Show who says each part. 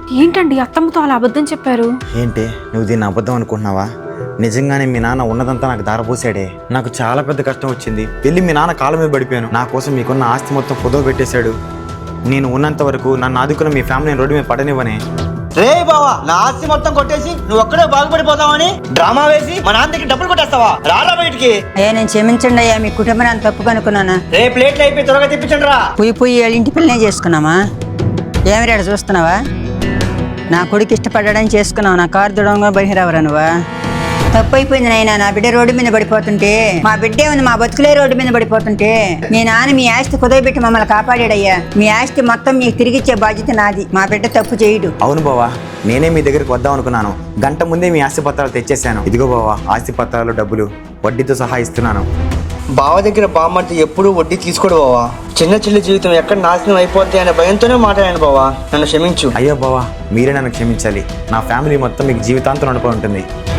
Speaker 1: ఏంటండి అత్తమ్మతో అలా అబద్ధం చెప్పారు?
Speaker 2: ఏంటి నువ్వు దీన్ని అబద్ధం అనుకుంటున్నావా? నిజంగానే మీ నాన్న ఉన్నదంతా నాకు దారపోసాడే. నాకు చాలా పెద్ద కష్టం వచ్చింది. వెళ్ళి మీ నాన్న కాళ్ళ మీద పడిపోయాను. నా కోసం మీకున్న ఆస్తి మొత్తం కుదవ పెట్టేశాడు. నేను ఉన్నంత వరకు నన్ను ఆదుకున్న మీ ఫ్యామిలీని రోడ్డు మీద పడనివ్వనే.
Speaker 3: రే బావా, నా ఆస్తి మొత్తం కొట్టేసి నువ్వు ఒక్కడే బాగుపడిపోతావని డ్రామా వేసి మా నాన్న దగ్గర డబ్బులు కొట్టేస్తావా? రారా బయటికి.
Speaker 4: నేను క్షమించండి అయ్యా, మీ కుటుంబాన్ని తప్పు కనుక్కున్నాను.
Speaker 3: రే ప్లేట్లు అయిపోయి త్వరగా తెప్పించండి రా.
Speaker 4: పుయ్యి వాళ్ళ ఇంటి పిల్లనే చేసుకున్నామా? ఏమి రేడ చూస్తున్నావా? నా కొడుకు ఇష్టపడడానికి చేసుకున్నావు. నా కారు దుడంగా బహిరవరా నువ్వా? తప్పు అయిపోయింది నాయన. నా బిడ్డ రోడ్డు మీద పడిపోతుంటే, మా బిడ్డే ఉంది మా బతుకులే రోడ్డు మీద పడిపోతుంటే మీ నాన్న మీ ఆస్తి కుదవబెట్టి మమ్మల్ని కాపాడాడయ్యా. మీ ఆస్తి మొత్తం మీకు తిరిగిచ్చే బాధ్యత నాది. మా బిడ్డ తప్పు చేయడు.
Speaker 2: అవును బావా, నేనే మీ దగ్గరికి వద్దాం అనుకున్నాను. గంట ముందే మీ ఆస్తి పత్రాలు తెచ్చేసాను. ఇదిగో బావా, ఆస్తి పత్రాలు, డబ్బులు వడ్డీతో సహా ఇస్తున్నాను.
Speaker 3: బావ దగ్గర బామ్మంటే ఎప్పుడూ వడ్డీ తీసుకోడు బావా. చిన్న చిల్లి జీవితం ఎక్కడ నాశనం అయిపోద్ది అనే భయంతోనే మాట్లాడాను బావా. నన్ను క్షమించు.
Speaker 2: అయ్యో బావా, మీరే నన్ను క్షమించాలి. నా ఫ్యామిలీ మొత్తం మీకు జీవితాంతం నడిపి ఉంటుంది.